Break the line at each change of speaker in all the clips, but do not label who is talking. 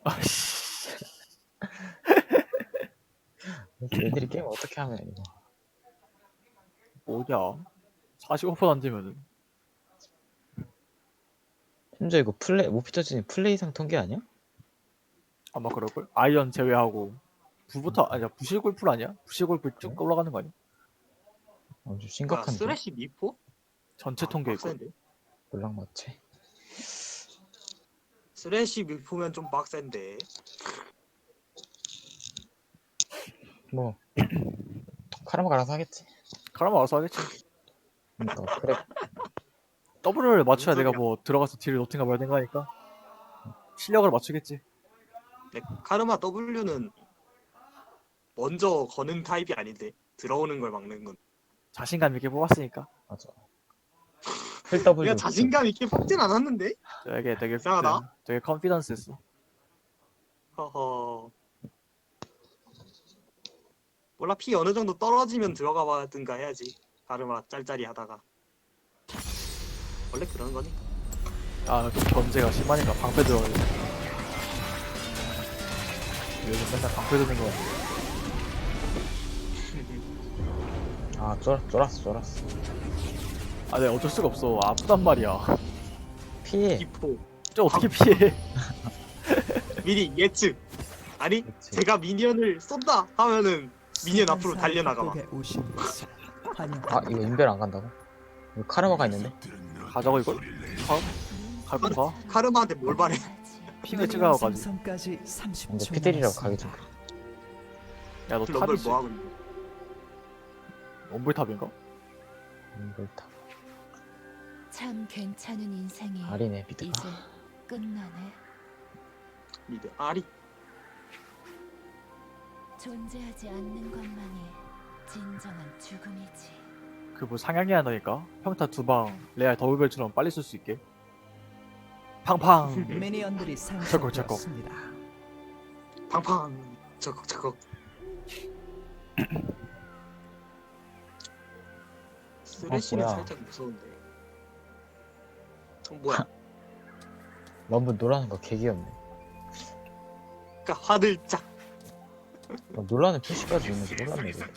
아씨.
얘들이 게임 어떻게 하면 이거.
뭐냐? 45% 안 되면은.
심지어 이거 모피터진이 플레이상 통계 아니야?
아마 그럴걸? 아이언 제외하고. 부부터, 아니야, 부실골프 아니야? 부실골프 쭉
그래?
올라가는 거 아니야?
좀
뭐야
심각한데?
쓰레쉬 미포?
전체 통계일 걸.
빡센데?
몰락 맞지?
쓰레쉬 미포면 좀 빡센데.
뭐 카르마가 알아서 하겠지.
그러면 알아서 하겠지.
그러니까 그래.
더블을 맞춰야
무슨
내가
소리야?
뭐 들어가서 딜을 놓든가 말든가 하니까 실력을 맞추겠지.
근데 카르마 W는 먼저 거는 타입이 아닌데 들어오는 걸 막는 건.
자신감 있게 뽑았으니까.
맞아. 풀 W.
내가 자신감 있게 뽑진 않았는데.
되게
이상하다.
되게 컨피던스 했어.
허허. 몰라 피 어느 정도 떨어지면 들어가 봐든가 해야지. 카르마 짤짤이 하다가. 원래 그런 거니까.
아, 좀 견제가 심하니까 방패 들어가야 돼. 요즘 맨날 방패 드는 거 같아.
쫄았어.
아, 내가 어쩔 수가 없어. 아프단 말이야.
피해.
기포.
저 어떻게 피해?
미리 예측. 아니
그치.
제가 미니언을 쏜다 하면은 미니언 앞으로 달려나가 봐.
아 이거 인벨 안 간다고? 이거 카르마가 있는데?
가져가 이걸? 갈건 가.
카르마한테 뭘 바래?
핑을 찍어가지고.
근데 피들이라고 가기 좀 그래.
야, 너
럼블
탑이지?
뭐 하고 있는?
원불탑인가?
인벨타.
참 괜찮은 인생이
아리네 미드.
이제 끝나네.
미드 아리.
존재하지 않는 것만이 진정한 죽음이지.
그 뭐 상향해야 한다니까? 평타 2방 레알 더블벨처럼 빨리 쓸 수 있게. 팡팡.
미니언들이
철컥.
상승되었습니다.
팡팡. 저거. 쓰레쉬는
뭐야.
살짝 무서운데. 뭐야?
럼블 노라는 거 개귀엽네.
그러니까 화들짝.
놀라는 표시까지 있는지 몰랐네 이거.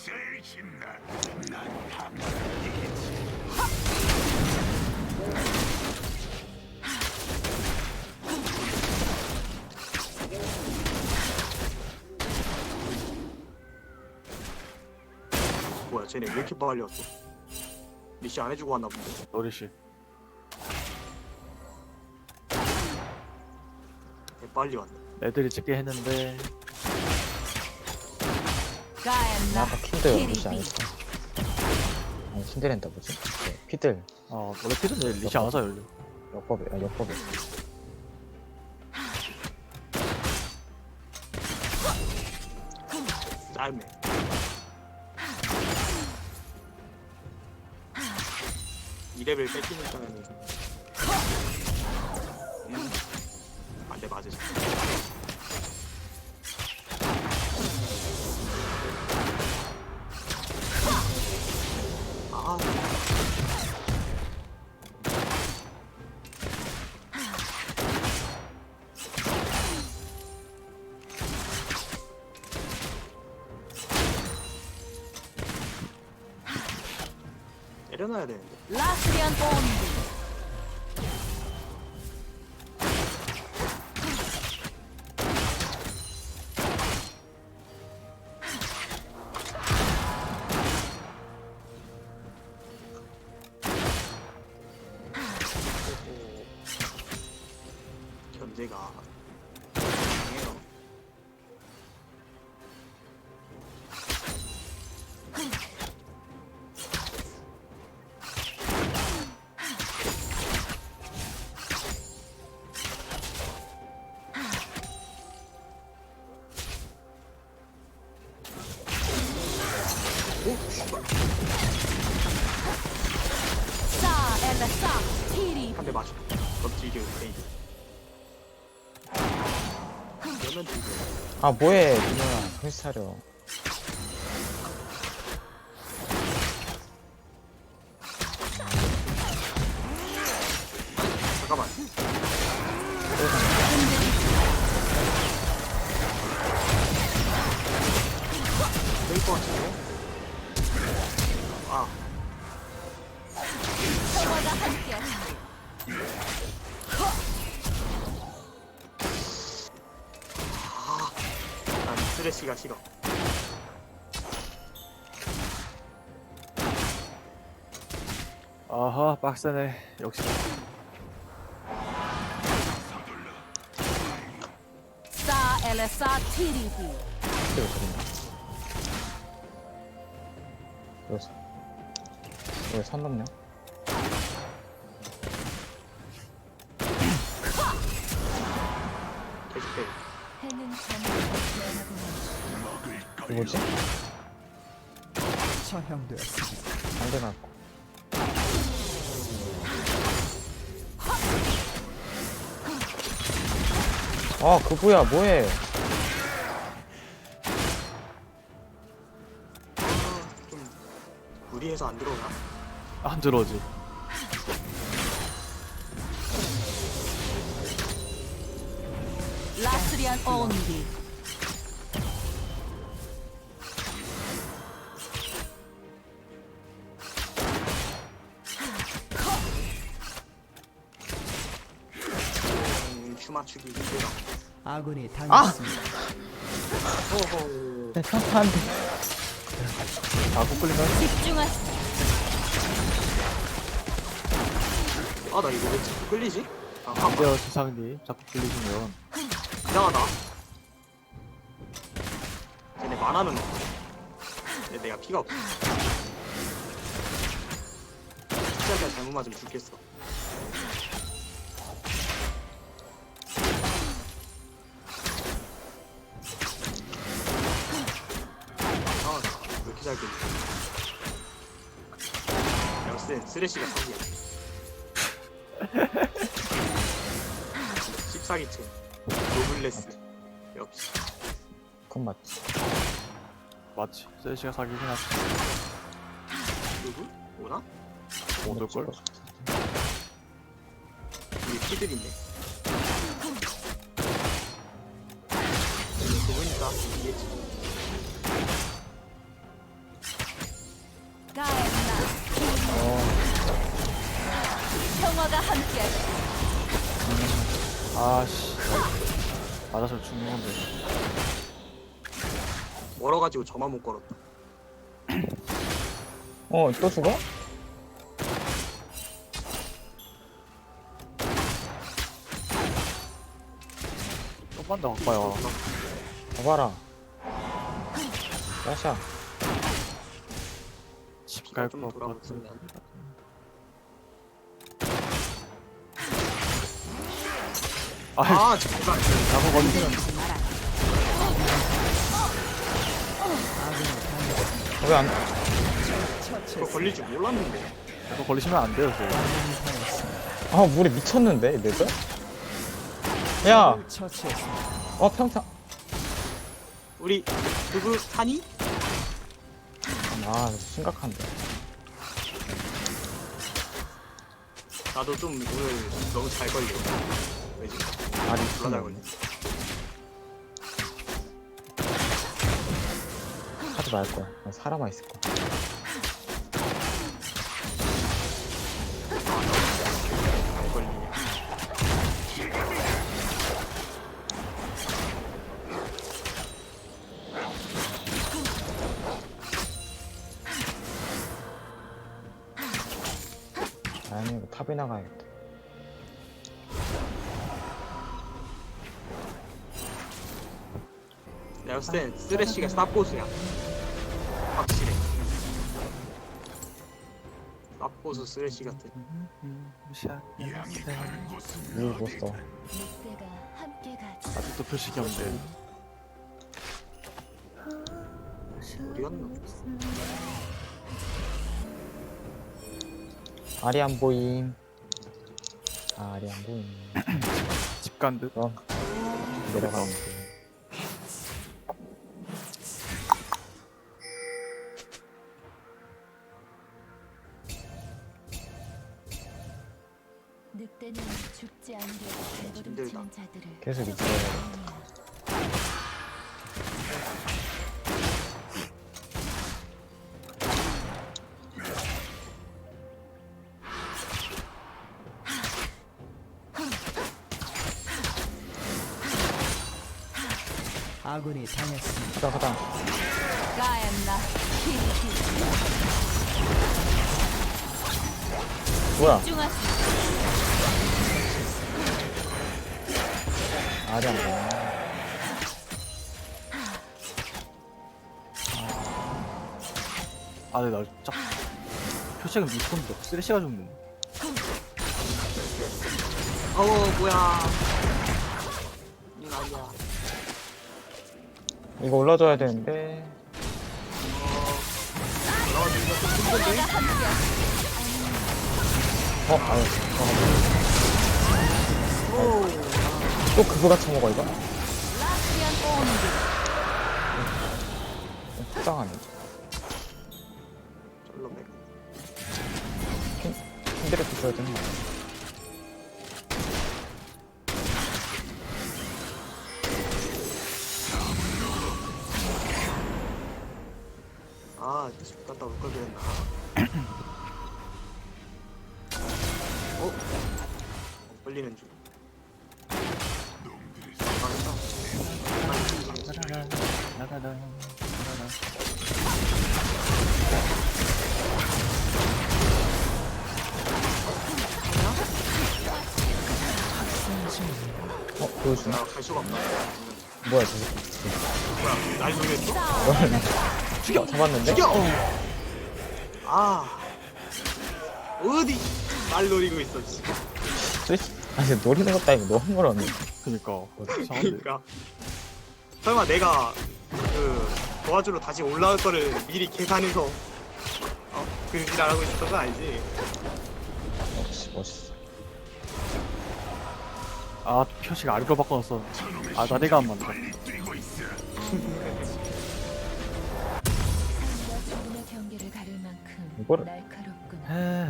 뭐야 쟤네 왜 이렇게 빨리 왔어? 미시 안 해주고 왔나 본데.
노리씨.
왜 빨리 왔네.
애들이 찍게 했는데
아까 킨들 리시 안 했어. 아니 킨들랜다 뭐지? 네, 피들
원래 피드는 리시 안 하자 열려.
역법에.
짧네. 이 레벨 뺏기는 거는 안돼 맞으시. 아 때려놔야 되는데.
라스리안 본드.
견제가 강해요.
싸 엘라 싸 티리.
한 대 맞춰. 던지기 페이드. 그러면 되죠.
아 뭐해 누나 정신 차려.
잠깐만. 쓰레쉬가 싫어.
아하 빡세네 역시.
싸 엘레사 TDB.
킬을 그린다. 여기서. 여기 선 넘냐?
계속해.
해는 전부 변하고
이거지?
처형되었습니다.
안돼 나고. 아, 그부야, 뭐해?
좀 무리해서 안 들어오나?
안 들어오지.
라스리안 온디.
큐 맞추기 힘들어.
아군이 당했습니다.
호호.
내 평타 안 돼.
자꾸 끌리면
집중하세요.
아, 나 이거 왜 자꾸 끌리지? 아,
안 돼요 세상님. 자꾸 끌리시면
이상하다. 쟤네 만화는 없어. 근데 내가 피가 없어. 피자가 잘못 맞으면 죽겠어. 아, 왜 이렇게 잘 끌리지? 역시 쓰레쉬가 사기야. 14기층 노블레스 역시.
그건 맞지.
맞지. 세시가 사기긴 하지.
누구? 오나?
못 올걸?
우리 피들 있네. 그거니까 이해지.
가엔나.
어,
평화가 함께하시.
아씨. 맞아서 죽는 건데.
멀어가지고 저만 못 걸었다.
또 죽어?
좀만 더 가까요.
봐봐라. 야샤.
집 갈
좀
거
돌아보면.
같은. 아,
아, 잠깐.
잘못 걸리면
왜 안,
그거 걸릴 줄 몰랐는데.
자꾸 걸리시면 안 돼요, 저희.
아, 물이 미쳤는데, 얘들? 야!
처치했습니다.
평타.
우리 누구 타니?
아, 심각한데.
나도 좀 오늘 너무 잘 걸려. 왜지?
말이
졸라 잘 걸려.
하지 말 거야. 난 살아만 있을 거야.
잘 걸리냐.
아니, 이거 탑에 나가야겠다.
내가 봤을 땐 쓰레쉬가 쌉고수야. 확실해. 쌉고수 쓰레쉬 같은.
물 못 써.
늑대가 함께 가지.
아직도 표식이 없네.
어디 갔나?
알이 안 보임. 알이 안 보임.
집 간 듯.
그럼 내려가면 돼.
늑대는 죽지 않게
힘들다.
발버둥치는 자들을
계속 있어.
아군이 당했습니다.
가다.
가엔나 키리키
뭐야?
중하시
아리 안 보네.
아, 근데 나 짝. 표식은 미스콘도 쓰레쉬가 죽네.
뭐야. 이건 아니야.
이거 올라줘야 되는데. 아유, 또 그거가 처먹어, 이거?
라스리안 온드
속상하네.
절로 백.
킨드레프 줘야 되는 거 아니야?
집 갔다 올 걸 그랬나. 끌리는 중.
나가다.
보여주나?
갈 수가 없다.
뭐야, 저거.
뭐야, 날 노렸어?
죽여! 잡았는데?
죽여! 어디 날 노리고 있어, 씨.
스위치? 아니, 노리는 것도 아니고 너무 멀었네.
그니까. 이상한데.
그러니까 설마 내가 도와주러 다시 올라올 거를 미리 계산해서 그 지랄하고 있었던 건 아니지?
역시 멋있어.
아, 표식 아래로 바꿔놨어. 아, 나대가 안 맞다.
삶과 죽음의 경계를 가를 만큼
이거를-
날카롭구나.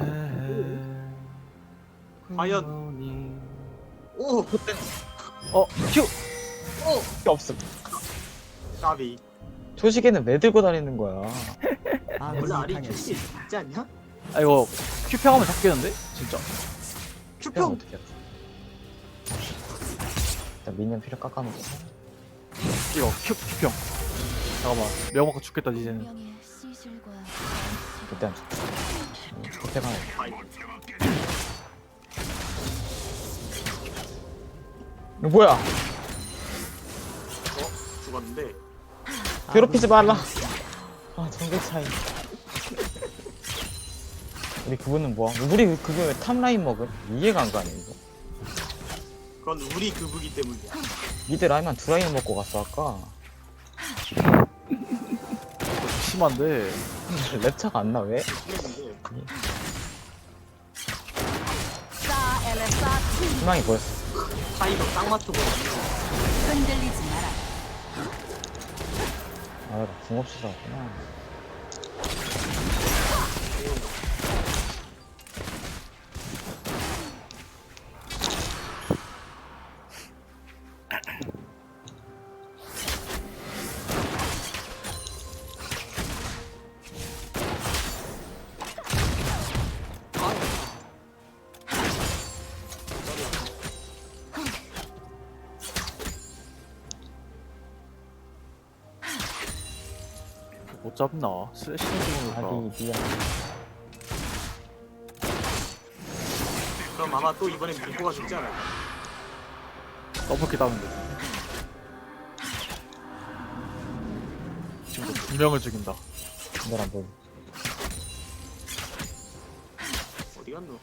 과연. 오!
큐!
필요 없음.
까비.
초식에는 왜 들고 다니는 거야?
원래
아군이
아리
당했습니다.
큐시 있지 않냐?
아, 이거 큐평하면 잡겠는데? 진짜.
그냥
큐평!
어떻게 해? 일단 미니언 필요 깎아놓고.
이거 큐평. 잠깐만. 명확히 죽겠다, 이제는.
운명의 시술과
그때 안 죽지. 그때가
아이,
이거 뭐야?
죽었는데.
괴롭히지 말라. 아, 정글 차이. 우리 그분은 뭐야? 우리 그분 왜 탑라인 먹음? 이해가 안 가네, 이거.
그건 우리 그부기 때문이야.
미드 라인만 두 라인 먹고 갔어, 아까.
심한데.
랩차가 안 나, 왜?
했는데
사 엘레사 티
희망이 보였어.
타이거 딱 맞추고
흔들리지 마라.
아, 나궁 없이 살았구나.
못 잡나? 쓰레쉬는 죽으니까.
아디, 미안.
그럼 아마 또 이번엔 미포가 죽지 않을까?
더블킬 따면 돼. 지금 두 명을 죽인다.
너랑 뭐.
어디 갔노?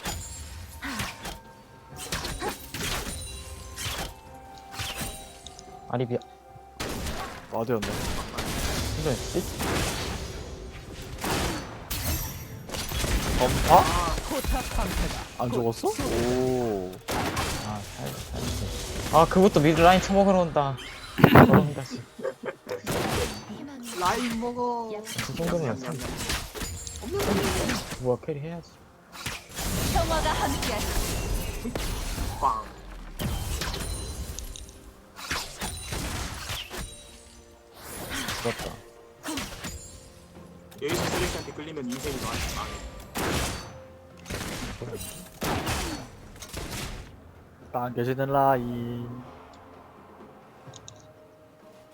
아리 미안.
와드였네.
힘들었지?
아?
포탑 방패가
안 죽었어? 오.
아, 살지. 아, 그것도 미드 라인 처먹으러 온다. 저런 다시.
희망이
라인 먹어.
그 정도면 참. 뭐야, 캐리 해야지.
평화가 함께하시.
빵.
죽었다.
여기서 쓰레기한테 끌리면 인생이 망해.
땅 계시는 라인.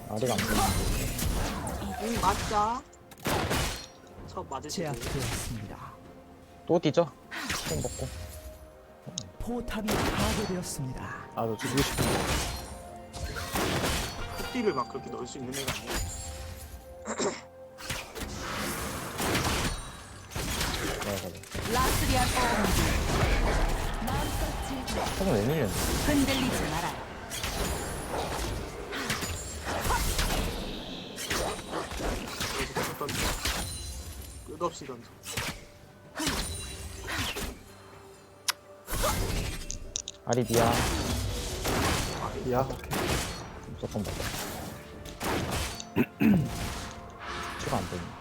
아리가 안 보이는데.
맞자. 첫 맞으시고.
제압되었습니다.
또 뛰죠? 총 먹고.
포탑이 파괴되었습니다.
아, 너 죽이고 싶은데.
흑딜을 막 그렇게 넣을 수 있는 애가 아니야.
라스리안 온드. 마음껏 즐겨.
총은 왜 밀렸네?
흔들리지 마라.
여기서 계속 던져. 끝없이 던져.
아리 미야.
야, 오케이.
무조건 먹어. 추가 안 되네.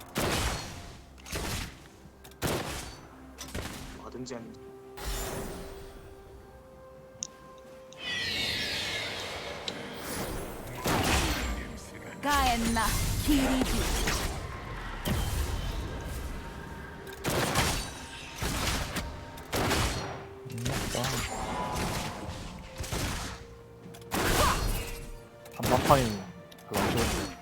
뭐든지 아니.
가엔나 키리비.
맞다.
한방판이 그거 안 좋은데.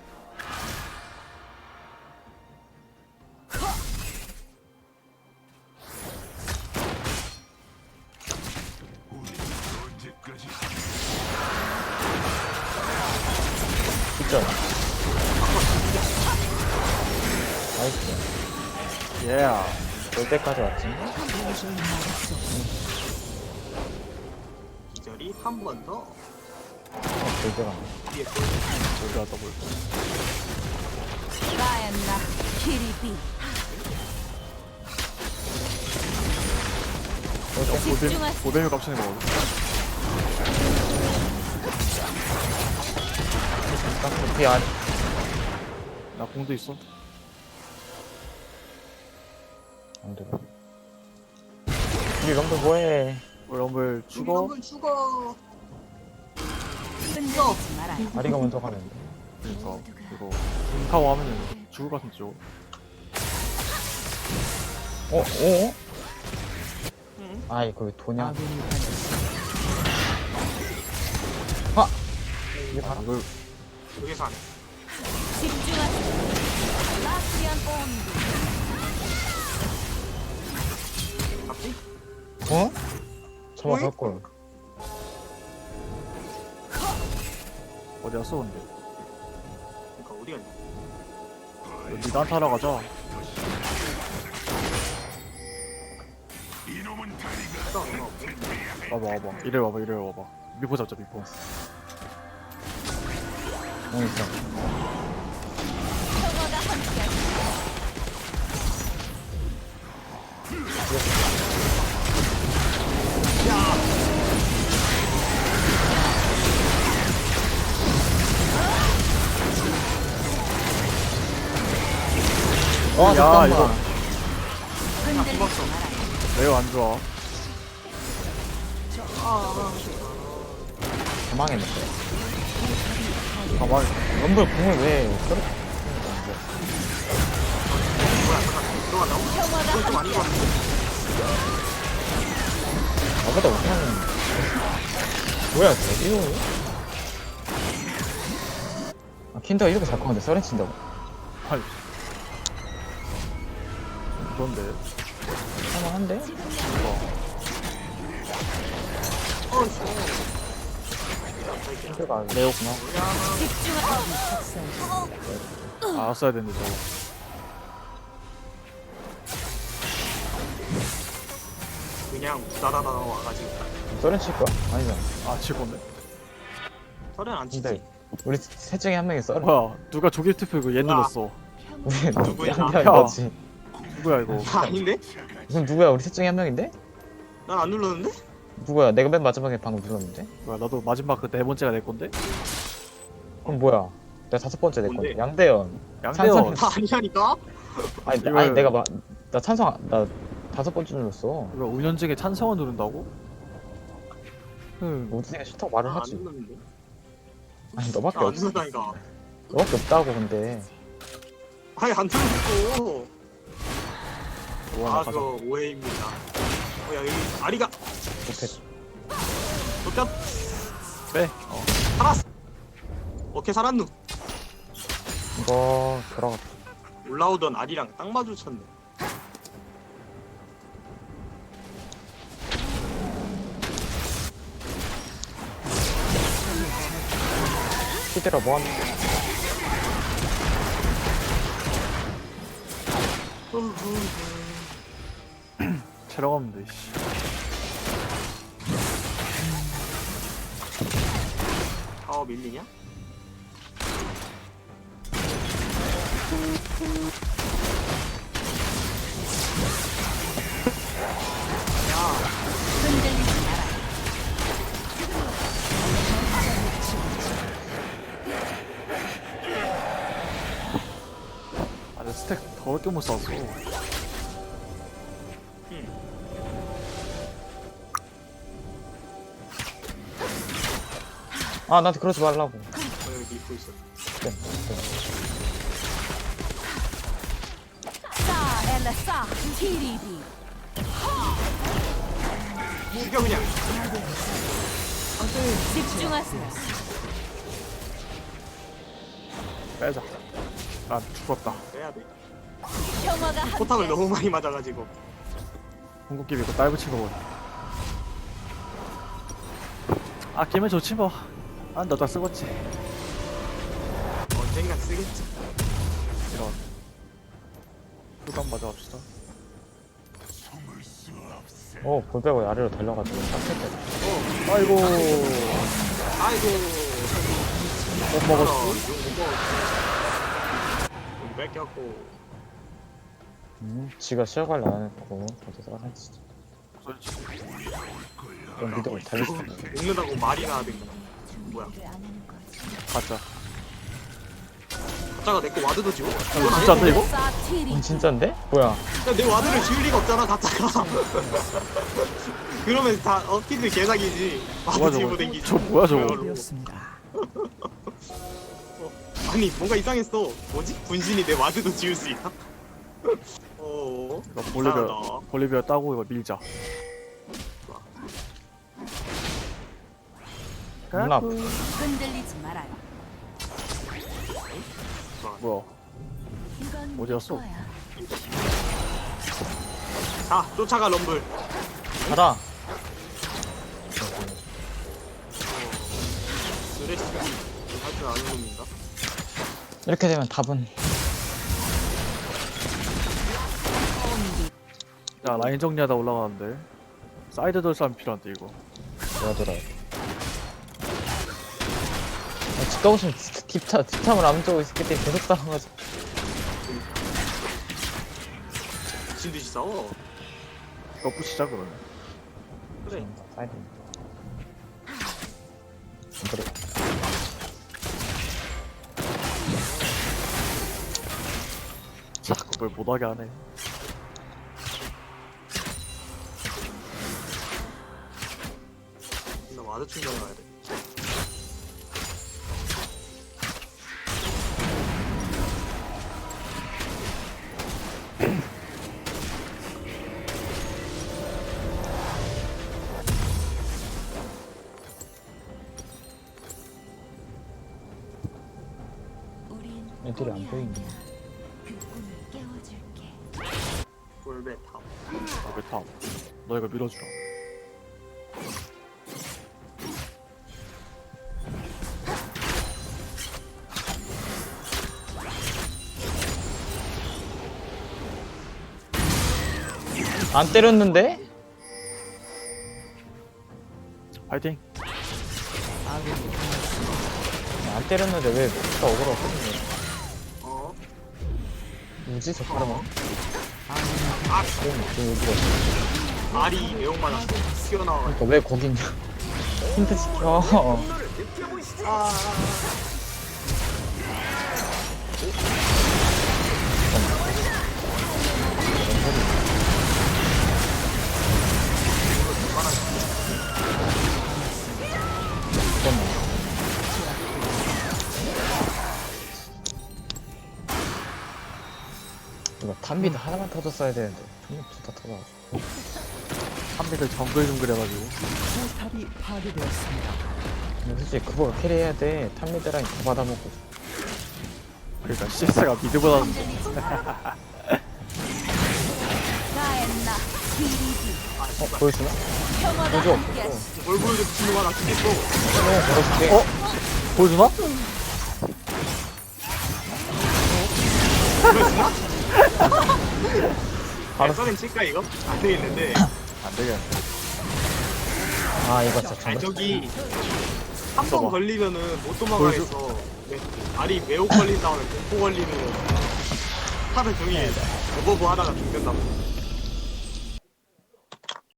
있죠? 나이스.
예.
올 때까지 왔지?
기절이 한 번 더.
돌대가
뒤에 또
어디가 더블.
가엔나 키리비. 집중하세요.
고대미 값치는 거 어디?
딱 뒤에 아리.
나 공도 있어.
안 돼. 우리 럼블 뭐해?
우리 럼블 죽어.
한번 죽어.
흔들리지 마라.
아리가 먼저 가는데.
그러니까 이거 인카고 하면은 죽을 것 같은데 저거.
어?
응?
아이 거기 도냐?
아군이 당했습니다.
이게
아,
바로
이걸
여기서 안 해.
집중하세요. 라스리안 온드.
갑자기?
어? 저거
어이?
갈걸.
어디 갔어 근데?
그러니까 어디 갔냐?
니가 한타러 가자.
또 얼마 없고.
와봐. 이래 와봐. 미포 잡자 미포.
응 있어.
평화가 함께하시고.
어
야,
잠깐만.
이거.
흔들리지 마라.
매우 안 좋아.
도망했는데.
가만히.
럼블 공을 왜 저렇게
뭐야, 들어간다고?
평화가
그건 좀 아닌 것
함께하시고.
같은데?
나보다 못하는 뭐야 이거? 아 킨더가 이렇게 잘 커는데 서렌 친다고?
아이. 그런데.
할만한데? 킨더가 레오구나.
집중하세요.
알았어야 되는데 저거.
그냥 부다다다 와가지고.
서렌 칠 거야? 아니잖아.
아, 칠 건데?
서른 안 치지.
근데 우리 셋 중에 한 명이 서렌.
뭐야, 누가 조기 투표 이거 얘 눌렀어.
우리
누구야?
양양
야.
거지.
누구야 이거?
나 아닌데?
이건 누구야? 우리 셋 중에 한 명인데?
난 안 눌렀는데?
누구야? 내가 맨 마지막에 방금 눌렀는데?
뭐야, 나도 마지막 그 네 번째가 내 건데?
그럼 뭐야? 내가 5번째 내 건데.
뭔데?
양대현.
양대현.
다 아니라니까?
아니,
이걸-
아니 내가 나 찬성 나 5번째 눌렀어.
이거 운현직에 찬성을 누른다고?
우진이가 싫다고 말을
나 안
하지.
눌렀는데?
아니 너밖에
나 안
없어.
눌렀다니까.
너밖에 없다고 근데.
아니 안 눌렀어.
와,
아
나 가자.
그거 오해입니다. 야 여기 아리가
못해.
쫓겼
빼.
살았어. 오케이 살았누.
이거 들어갔다.
올라오던 알이랑 딱 마주쳤네.
히드라 뭐하는
체력 없는데 씨.
타워 밀리냐? 야,
흔들리지 마라.
아, 내 스택 더럽게 못 쐈어.
아 나한테 그러지 말라고.
여기 입고 있어.
싸 엘라 싸 TDB.
죽여 그냥.
집중하세요.
빼자. 아, 죽었다.
빼야 돼.
평화가
포탑을
함께.
너무 많이 맞아가지고.
궁극기 믿고 딸 붙인 거 보네. 아, 끼면 좋지 뭐. 아, 너다 쓰겠지.
언젠간 쓰겠지.
이런. 후감 맞아 갑시다.
볼 빼고 아래로 달려가지고 깜짝이야.
아이고.
아이고.
못 먹었어.
좀 뺏겼고.
지가 시작을 안 했고 저도 하지.
그렇지.
그럼 믿어 달릴 수 있어.
먹는다고 말이나 하든가. 뭐야?
가자.
가짜가 내 거 와드도 지워?
진짜인데 이거?
싸 TDB.
진짠데? 뭐야?
야, 내 와드를 지울 리가 없잖아, 가짜가. 그러면 다 피드 개사기지.
뭐야
와드 지우고
저거?
댕기지.
저 뭐야 저거?
그걸로.
되었습니다.
아니, 뭔가 이상했어. 뭐지? 분신이 내 와드도 지울 수 있나?
이거
이상하다.
볼리비아 따고 이거 밀자.
누나
흔들리지 말아요.
뭐야?
이건
어디였어?
거야.
자, 쫓아가, 럼블.
가라.
드레스 할줄 아는 놈인가?
이렇게 되면 답은
야, 라인 정리하다 올라가는데. 사이드 돌 싸움 필요한데 이거.
내가 돌아야 돼. 집 가고 싶으면 딥탑을 안 쪼고 있을 때 계속 싸워가지고.
미친듯이 싸워.
이거 부시자 그러면.
그래.
사이드. 안 그래.
자꾸 뭘 못하게 하네.
나 와드 충전해 가야 돼.
우린
애들이 안 보이네.
그 꿈을 깨워줄게.
골베 탑.
아, 왜탐? 너 이거 밀어주라.
안 때렸는데?
파이팅.
안 때렸는데 왜 진짜 억울하고 끊는
어?
뭐지 저 사람은?
아,
그럼 여기가 없어.
알이 매운 맞았어. 튀어나와가지고.
그러니까 왜 거기 있냐? 힌트 시켜.
아,
잠깐만. 이거 탑미드 하나만 터졌어야 되는데 탑미드 둘다 터져.
한미들 정글 좀 그래가지고.
포탑이 파괴되었습니다.
근데 솔직히 그거 캐리해야 돼. 탑미드랑 다 받아먹고.
그러니까 CS가 미드보다는
흔들리지 마라. 가엔나 기리디
보여주나?
평화가
보여줘.
함께하시.
뭘 보여줘 미친놈아 나 죽겠어.
걸어줄게.
보여주나?
보여주나?
알았어.
썰은 칠까 이거? 안 되겠는데.
안 되겠네.
아, 이거 진짜
아니
정말.
저기 한 번
써봐.
걸리면은 못 도망가겠어. 알이 매혹 걸린 다음에 공포 걸리면 하루 종일 오버브 하다가 죽는다고.